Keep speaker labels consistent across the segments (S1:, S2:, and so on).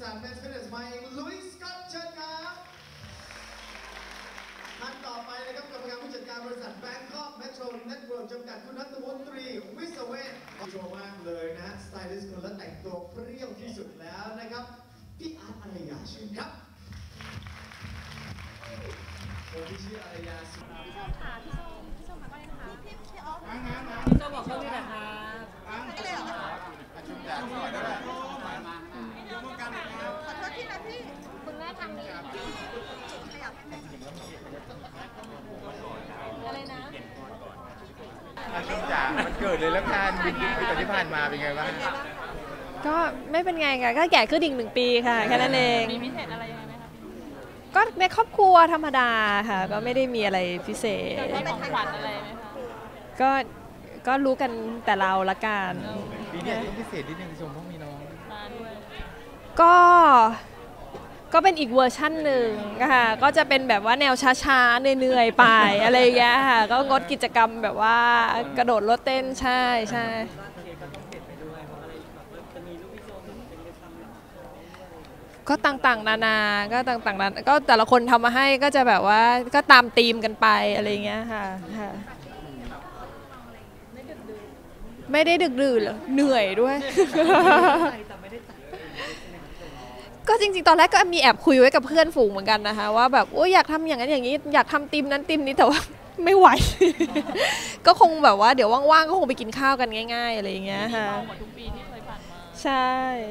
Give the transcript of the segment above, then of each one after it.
S1: ษัท Best Fitness มาเองลุยส์ก็เชิญครับท่านต่อไปนะครับกรรมการผู้จัดการบริษัท Bangkok Metro Network จำกัดคุณนัทวุฒิวิศเวชโชว์มากเลยนะสไตลิสต์คนและแต่งตัวเปรี้ยวที่สุดแล้วนะครับพี่อาร์ตอารยาชื่อครับคนที่ชื่ออารยาสุด
S2: พี่ส้มค่ะพี่ส้มค่ะก็ได้นะคะพี่ออฟพี่ส้มบอกเขาด้วยนะคะไม่ได้หรอขอโทษที่นะพี่คุณแม่ทำนี้ขยับอะไรนะ
S3: ช่วงจ๋ามันเกิดเลยแล้วกันปีที่ผ่านมาเป็นไงบ้าง
S4: ก็ไม่เป็นไงค่ะก็แก่ขึ้นอีก1 ปีค่ะแค่นั้นเอง
S2: มีพิเศษอะไรยังไงไหมคะ
S4: ก็ในครอบครัวธรรมดาค่ะก็ไม่ได้มีอะไรพิเศษ
S2: ได้ของขวัญอะไรไหมคะ
S4: ก็รู้กันแต่เราละกัน
S3: ปีนี้ต้องพิเศษนิดนึงชมเพราะมีน้อง
S2: มาด้วย
S4: ก็เป็นอีกเวอร์ชั่นหนึ่งค่ะก็จะเป็นแบบว่าแนวช้าๆเหนื่อยๆไปอะไรอย่างเงี้ยค่ะก็งดกิจกรรมแบบว่ากระโดดรถเต้นใช่ก็ต่างๆนานาก็ต่างๆนานาก็แต่ละคนทำมาให้ก็จะแบบว่าก็ตามธีมกันไปอะไรเงี้ยค่ะไม่ได้ดึกดื่นหรอเหนื่อยด้วยก็จริงๆตอนแรกก็มีแอบคุยไว้กับเพื่อนฝูงเหมือนกันนะคะว่าแบบโอ้ยอยากทำอย่างนั้นอย่างนี้อยากทำธีมนั้นธีมนี้แต่ว่าไม่ไหวก็คงแบบว่าเดี๋ยวว่างๆก็คงไปกินข้าวกันง่ายๆอะไรอย่างเงี้ยค่ะ
S2: ทุกปีที่เคยผ่านมา
S4: ใช่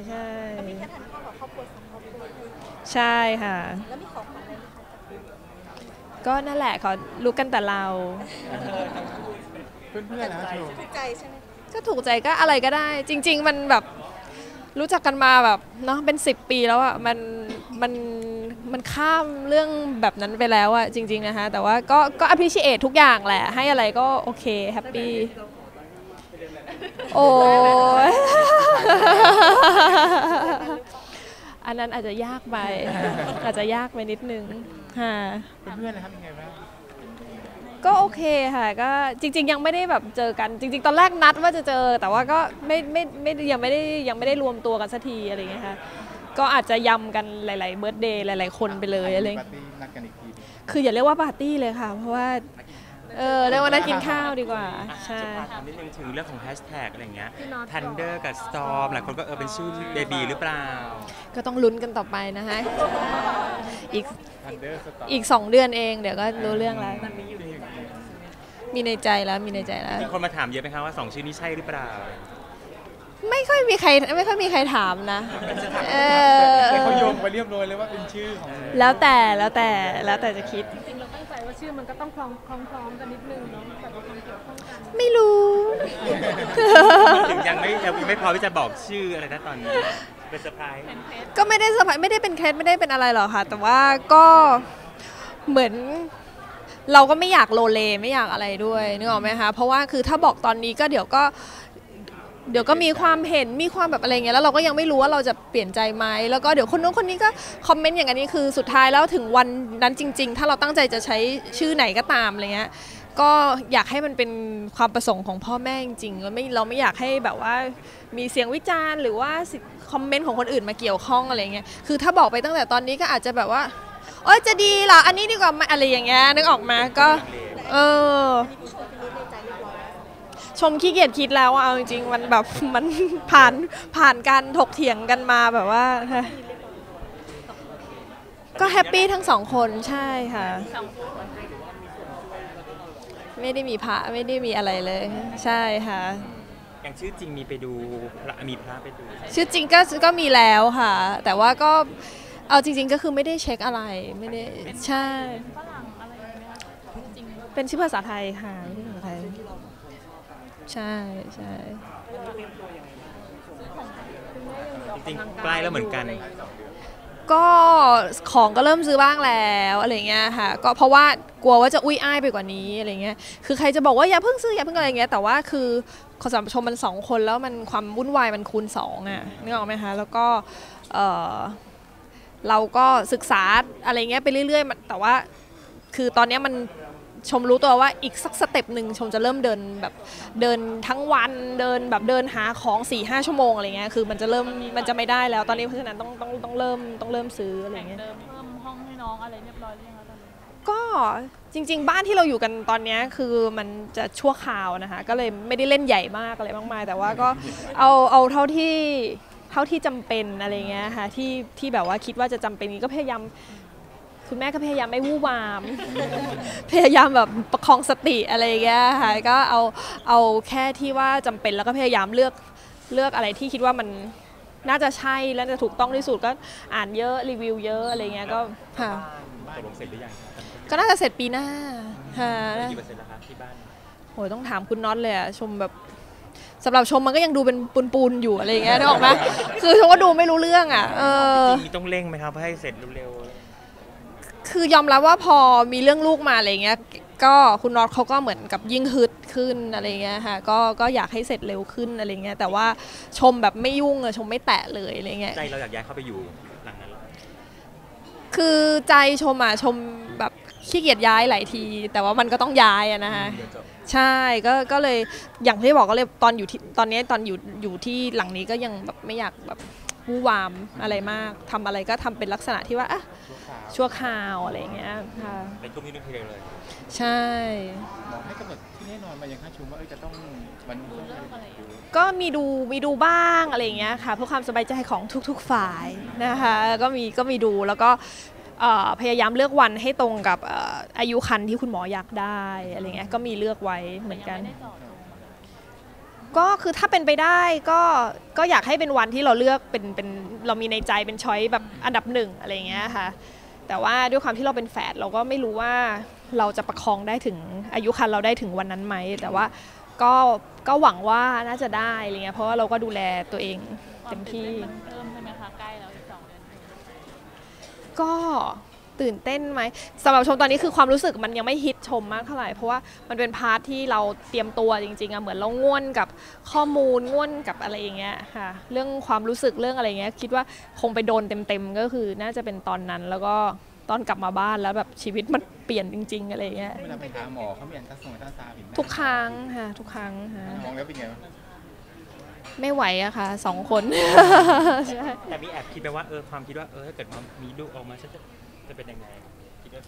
S4: ใช่ค่ะ
S2: แล้วมีของขวัญอะไรไหมคะ
S4: ก็นั่นแหละเขารู้กันแต่เรา
S3: เพื่อนๆนะถู
S2: กใจใช่ไหม
S4: ก็ถูกใจก็อะไรก็ได้จริงๆมันแบบรู้จักกันมาแบบเนาะเป็น10 ปีแล้วอ่ะมันข้ามเรื่องแบบนั้นไปแล้วอ่ะจริงๆนะคะแต่ว่าก็ appreciate ทุกอย่างแหละให้อะไรก็โอเคแฮปปี้โอ้ยอันนั้นอาจจะยากไปนิดนึงค่ะ
S3: เพื่อนๆนะครับยังไงบ้าง
S4: ก็โอเคค่ะก็จริงๆยังไม่ได้แบบเจอกันจริงๆตอนแรกนัดว่าจะเจอแต่ว่าก็ยังไม่ได้รวมตัวกันสักทีอะไรอย่างเงี้ยค่ะก็อาจจะยำกันหลายๆเบิร์ธเดย์หลายๆคนไปเลยอะไรคืออย่าเรียกว่าปาร์ตี้เลยค่ะเพราะว่าเรียกว่านัดกินข้าวดีกว่าใช่
S5: ถามนิดนึงถึงเรื่องของแฮชแท็กอะไรอย่างเงี้ย Thunder กับ Storm หลายคนก็เป็นชื่อเบบีหรือเปล่า
S4: ก็ต้องลุ้นกันต่อไปนะคะอีก2 เดือนเองเดี๋ยวก็รู้เรื่องแล้วมีในใจแล้วมี
S5: คนมาถามเยอะไหมคะว่า2ชื่อนี้ใช่หรือเปล่า
S4: ไม่ค่อยมีใครถามนะ
S3: เขาโยงไปเรียบร้อยเลยว่าเป็นชื่อของ
S4: แล้วแต่จะคิด
S2: จริงๆเราตั้งใจว่าชื่อมันก็ต้องคล้องกันนิดนึงเนาะแต่ว่าความเกี่ยวข้องกัน
S4: ไม่รู้
S5: ถึงยังไม่พอที่จะบอกชื่ออะไรนะตอนนี้เป็นเซอร์ไพรส์
S4: ก็ไม่ได้เซอร์ไพรส์ไม่ได้เป็นเคสไม่ได้เป็นอะไรหรอกค่ะแต่ว่าก็เหมือนเราก็ไม่อยากโลเลไม่อยากอะไรด้วยนึกออกไหมคะเพราะว่าคือถ้าบอกตอนนี้ก็เดี๋ยวก็มีความเห็นมีความแบบอะไรเงี้ยแล้วเราก็ยังไม่รู้ว่าเราจะเปลี่ยนใจไหมแล้วก็เดี๋ยวคนนู้นคนนี้ก็คอมเมนต์อย่างนี้คือสุดท้ายแล้วถึงวันนั้นจริงๆถ้าเราตั้งใจจะใช้ชื่อไหนก็ตามอะไรเงี้ยก็อยากให้มันเป็นความประสงค์ของพ่อแม่จริงๆเราไม่อยากให้แบบว่ามีเสียงวิจารณ์หรือว่าคอมเมนต์ของคนอื่นมาเกี่ยวข้องอะไรเงี้ยคือถ้าบอกไปตั้งแต่ตอนนี้ก็อาจจะแบบว่าโอ๊ยจะดีเหรออันนี้ดีกว่าอะไรอย่างเงี้ยนึกออกมาก็ชมขี้เกียจคิดแล้วเอาจริงๆมันแบบมันผ่านการถกเถียงกันมาแบบว่าก็แฮปปี้ทั้ง2 คนใช่ค่ะไม่ได้มีพระไม่ได้มีอะไรเลยใช่ค่ะ
S5: อย่างชื่อจริงมีไปดูมีพระไปดู
S4: ชื่อจริงก็มีแล้วค่ะแต่ว่าก็เอาจริงๆก็คือไม่ได้เช็คอะไรไม่ได้ใช่เป็นชื่อภาษาไทยค่ะไม่ใช่ภาษาไทยใช่
S5: จริงๆใกล้แล้วเหมือนกัน
S4: ก็ของก็เริ่มซื้อบ้างแล้วอะไรเงี้ยค่ะก็เพราะว่ากลัวว่าจะอุ้ยอ้ายไปกว่านี้อะไรเงี้ยคือใครจะบอกว่าอย่าเพิ่งซื้ออย่าเพิ่งอะไรเงี้ยแต่ว่าคือขอสัมชมมัน2 คนแล้วมันความวุ่นวายมันคูณ2อ่ะนึกออกไหมคะแล้วก็เราก็ศึกษาอะไรเงี้ยไปเรื่อยๆแต่ว่าคือตอนนี้มันชมรู้ตัวว่าอีกสักสเต็ปหนึ่งชมจะเริ่มเดินแบบเดินทั้งวันเดินแบบเดินหาของ 4-5 ชั่วโมงอะไรเงี้ยคือมันจะไม่ได้แล้วตอนนี้เพราะฉะนั้นต้องเริ่มซื้ออะไรเงี้ย
S2: เดิมเพิ่มห้องให้น้องอะไรเรียบร้อยหรือยังคะตอนนี้
S4: ก็จริงๆบ้านที่เราอยู่กันตอนนี้คือมันจะชั่วคราวนะคะก็เลยไม่ได้เล่นใหญ่มากอะไรมากมายแต่ว่าก็เอาเท่าที่จำเป็นอะไรเงี้ยค่ะที่แบบว่าคิดว่าจะจำเป็นก็พยายามคุณแม่ก็พยายามไม่วู่วาม พยายามแบบประคองสติอะไรเงี้ยค่ะก็เอาแค่ที่ว่าจำเป็นแล้วก็พยายามเลือกอะไรที่คิดว่ามันน่าจะใช่และจะถูกต้องที่สุดก็อ่านเยอะรีวิวเยอะอะไรเงี้ยก็ค่ะ
S5: ตกลงเสร็จหรือยังครับ
S4: ก็น่าจะเสร็จปีหน้าค่ะ
S5: กี่เปอร์เซ็นต์แล้วครับที่บ้าน
S4: โหยต้องถามคุณน็อตเลยอะชมแบบสำหรับชมมันก็ยังดูเป็นปูนๆอยู่อะไรอย่างเงี้ยนึกออกไหมคือชมก็ดูไม่รู้เรื่องอะ
S5: จริงมีต้องเร่งไหมครับให้เสร็จเร็ว
S4: คือยอมรับว่าพอมีเรื่องลูกมาอะไรเงี้ยก็คุณน็อตเขาก็เหมือนกับยิ่งฮึดขึ้นอะไรเงี้ยค่ะก็อยากให้เสร็จเร็วขึ้นอะไรเงี้ยแต่ว่าชมแบบไม่ยุ่งเลยชมไม่แตะเลยอะไรเงี้ย
S5: ใจเราอยากย้ายเข้าไปอยู่หลังนั้นหรอ
S4: คือใจชมอะชมแบบขี้เกียจย้ายหลายทีแต่ว่ามันก็ต้องย้ายอะนะคะใช่ก็เลยอย่างที่บอกก็เลยตอนอยู่ที่ตอนนี้ตอนอยู่ที่หลังนี้ก็ยังแบบไม่อยากแบบวู่วามอะไรมากทำอะไรก็ทำเป็นลักษณะที่ว่าอะชั่วคราวอะไรอย่างเงี้ยค่ะ
S5: เป็นช่วงนี้นึกทีเดียวเลย
S4: ใช่
S3: หมอให้กำหนดที่แน่นอนมายังค่าชุมว่าจะต้องวัน
S4: ก็มีดูบ้างอะไรอย่างเงี้ยค่ะเพื่อความสบายใจของทุกๆฝ่ายนะคะก็มีดูแล้วก็พยายามเลือกวันให้ตรงกับอายุครรภ์ที่คุณหมออยากได้อะไรเงี้ยก็มีเลือกไว้เหมือนกันก็คือถ้าเป็นไปได้ก็อยากให้เป็นวันที่เราเลือกเป็นเรามีในใจเป็นช้อยแบบอันดับหนึ่งอะไรเงี้ยค่ะแต่ว่าด้วยความที่เราเป็นแฝดเราก็ไม่รู้ว่าเราจะประคองได้ถึงอายุครรภ์เราได้ถึงวันนั้นไหมแต่ว่าก็หวังว่าน่าจะได้อะไรเงี้ยเพราะว่าเราก็ดูแลตัวเองเต็มที่
S2: มันเพิ่มใช่ไหมคะใกล้แล้วอีก2 เดือน
S4: ก็ตื่นเต้นไหมสำหรับชมตอนนี้คือความรู้สึกมันยังไม่ฮิตชมมากเท่าไหร่เพราะว่ามันเป็นพาร์ทที่เราเตรียมตัวจริงๆอะเหมือนเราง่วนกับข้อมูลง่วนกับอะไรอย่างเงี้ยค่ะเรื่องความรู้สึกเรื่องอะไรเงี้ยคิดว่าคงไปโดนเต็มๆก็คือน่าจะเป็นตอนนั้นแล้วก็ตอนกลับมาบ้านแล้วแบบชีวิตมันเปลี่ยนจริงๆอะไรเงี้ย
S3: เวลาไปหาหมอเขามีอันตราซาวด์อีก
S4: ทุกครั้งค่ะทุกครั้งค่ะ
S3: มองแล้วเป็นไงบ้าง
S4: ไม่ไหวอะค่ะ2 คน ใช่
S5: แต่มีแอบคิดไปว่าความคิดว่าถ้าเกิดมีลูกออกมาจะเป็นยังไงคิดด้วยไหม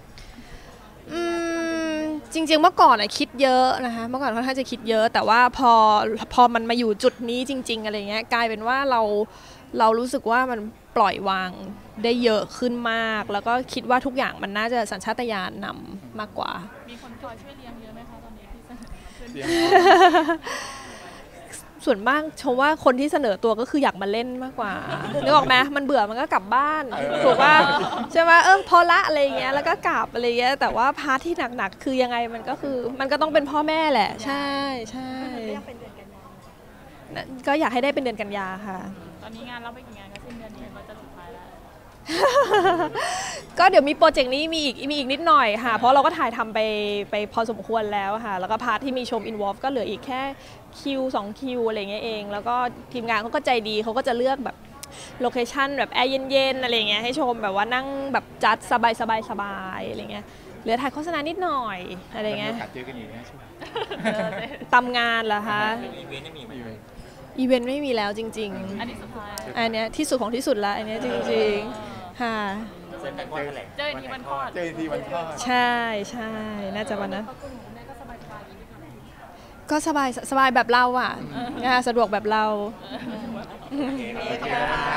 S4: จริงๆเมื่อก่อนอะคิดเยอะนะคะเมื่อก่อนค่อนข้างจะคิดเยอะแต่ว่าพอมันมาอยู่จุดนี้จริงๆอะไรเงี้ยกลายเป็นว่าเรารู้สึกว่ามันปล่อยวางได้เยอะขึ้นมากแล้วก็คิดว่าทุกอย่างมันน่าจะสัญชาตญาณนำมากกว่า
S2: มีคนคอยช่วยเลี้ยงเยอะไหมคะตอนนี้ที่เสนอขึ้น
S4: ส่วนมากชมว่าคนที่เสนอตัวก็คืออยากมาเล่นมากกว่านึกออกไหมมันเบื่อมันก็กลับบ้านถูกป่ะใช่ไหมพอละอะไรเงี้ยแล้วก็กลับอะไรเงี้ยแต่ว่าพาร์ทที่หนักๆคือยังไงมันก็คือมันก็ต้องเป็นพ่อแม่แหละใช่ก็อยากให้ได้เป็นเดือนกันยาค่ะ
S2: ตอนนี้งานรับไปกี่งานก็สิ้นเดือนนี้ก็จะสุดท้ายแล้ว
S4: ก็เดี๋ยวมีโปรเจกต์นี้มีอีกนิดหน่อยค่ะเพราะเราก็ถ่ายทำไปพอสมควรแล้วค่ะแล้วก็พาร์ทที่มีชม involve ก็เหลืออีกแค่คิว2 คิวอะไรเงี้ยเองแล้วก็ทีมงานเขาก็ใจดีเขาก็จะเลือกแบบโลเคชั่นแบบแอร์เย็นๆอะไรเงี้ยให้ชมแบบว่านั่งแบบจัดสบายอะไรเงี้ยเหลือถ่ายโฆษณานิดหน่อยอะไรเงี้ย
S3: กัดเจอกันอีกนะช่วง
S4: ตำงานเหรอคะ
S5: อีเวนต์ไม่มีไหม
S4: อีเวนต์ไม่มีแล้วจริง
S2: อันนี้สุดท้าย
S4: ๆอันเนี้ยที่สุดของที่สุดละอันเนี้ยจริงๆค่ะ
S5: เจอกันวันแถลง
S2: เจอที่วันคลอด
S3: เจอทีวันคลอด
S4: ใช่น่าจะวันนั้นก็สบายแบบเราอ่ะสะดวกแบบเรา
S5: โอเค